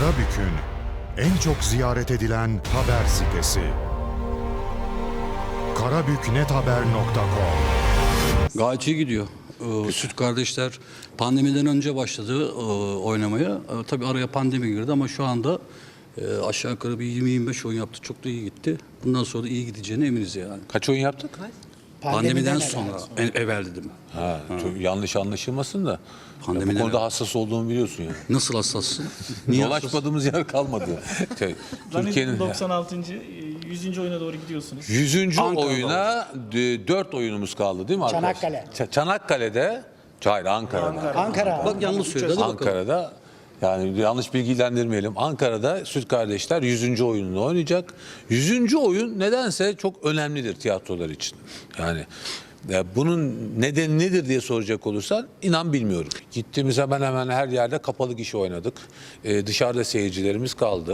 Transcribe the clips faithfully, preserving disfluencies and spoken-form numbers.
Karabük'ün en çok ziyaret edilen haber sitesi. karabüknethaber nokta com. Gayet iyi gidiyor. Ee, Süt Kardeşler pandemiden önce başladı e, oynamaya. E, tabii araya pandemi girdi ama şu anda e, aşağı yukarı bir yirmi yirmi beş oyun yaptı. Çok da iyi gitti. Bundan sonra da iyi gideceğine eminiz yani. Kaç oyun yaptık? Pandemiden, sonra, en, evvel dedim. Ha, çok yanlış anlaşılmasın da. Pandemiden Bu konuda evvel. hassas olduğumu biliyorsun yani. Nasıl hassassın? Niye hassas? Dolaşmadığımız yer kalmadı. Şey, Türkiye'nin doksan altıncı yüzüncü oyuna doğru gidiyorsunuz. yüzüncü Ankara'da oyuna dört oyunumuz kaldı değil mi arkadaşlar? Çanakkale. Ç- Çanakkale'de, hayır Ankara'da. Ankara. Bak yanlış söyledi. Hadi bakalım. Ankara'da, yani yanlış bilgilendirmeyelim. Ankara'da Süt Kardeşler yüzüncü oyununu oynayacak. yüzüncü oyun nedense çok önemlidir tiyatrolar için. Yani ya bunun nedeni nedir diye soracak olursan inan bilmiyorum. Gittiğimiz hemen hemen her yerde kapalı gişe oynadık. Ee, dışarıda seyircilerimiz kaldı.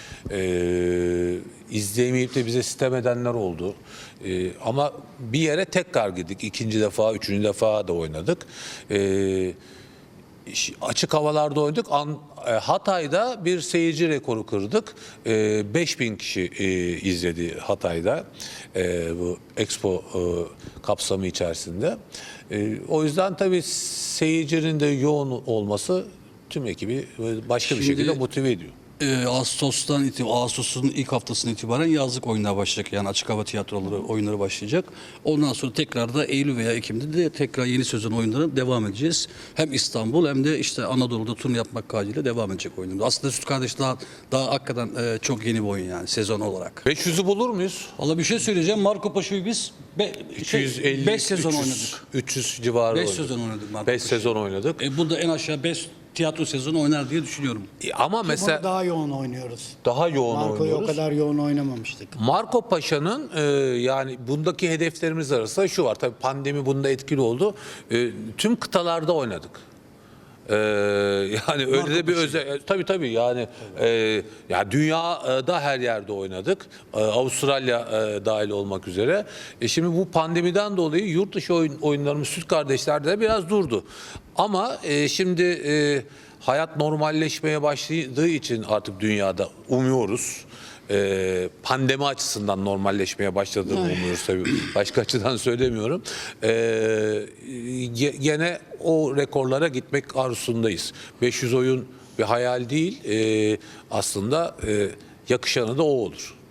Ee, izleyemeyip de bize sitem edenler oldu. Ee, ama bir yere tekrar gittik. İkinci defa, üçüncü defa da oynadık. Ee, Açık havalarda oynadık. An, e, Hatay'da bir seyirci rekoru kırdık. E, beş bin kişi e, izledi Hatay'da e, bu Expo e, kapsamı içerisinde. E, o yüzden tabii seyircinin de yoğun olması tüm ekibi başka Şimdi, bir şekilde motive ediyor. Ee, Ağustos'tan itibaren, Ağustos'un ilk haftasından itibaren yazlık oyunlar başlayacak. Yani açık hava tiyatroları oyunları başlayacak. Ondan sonra tekrar da Eylül veya Ekim'de de tekrar yeni sezon oyunlarına devam edeceğiz. Hem İstanbul hem de işte Anadolu'da turne yapmak kaydıyla devam edecek oyunlar. Aslında Süt Kardeş daha, daha hakikaten e, çok yeni bir oyun yani sezon olarak. beş yüzü bulur muyuz? Valla bir şey söyleyeceğim. Marco Paşa'yı biz iki yüz elli, beş sezon üç yüz, oynadık. üç yüz civarı beş oynadık. sezon oynadık Marco beş Paşa'yı. sezon oynadık. E, bu da en aşağı beş tiyatro sezonu oynar diye düşünüyorum. E, Ama mesela Bunu daha yoğun oynuyoruz. daha yoğun Marco'yu oynuyoruz. o kadar yoğun oynamamıştık. Marco Paşa'nın e, yani bundaki hedeflerimiz arasında şu var. Tabii pandemi bunda etkili oldu. E, tüm kıtalarda oynadık. E, yani öyle de bir özel tabii tabii yani e, ya dünyada her yerde oynadık. E, Avustralya e, dahil olmak üzere. E, şimdi bu pandemiden dolayı yurt dışı oyun, oyunlarımız Süt Kardeşler'de biraz durdu. Ama e, şimdi e, hayat normalleşmeye başladığı için artık dünyada umuyoruz. Ee, pandemi açısından normalleşmeye başladığını umuyoruz tabii. Başka açıdan söylemiyorum. Ee, gene o rekorlara gitmek arzusundayız. beş yüz oyun bir hayal değil. Ee, aslında e, yakışanı da o olur.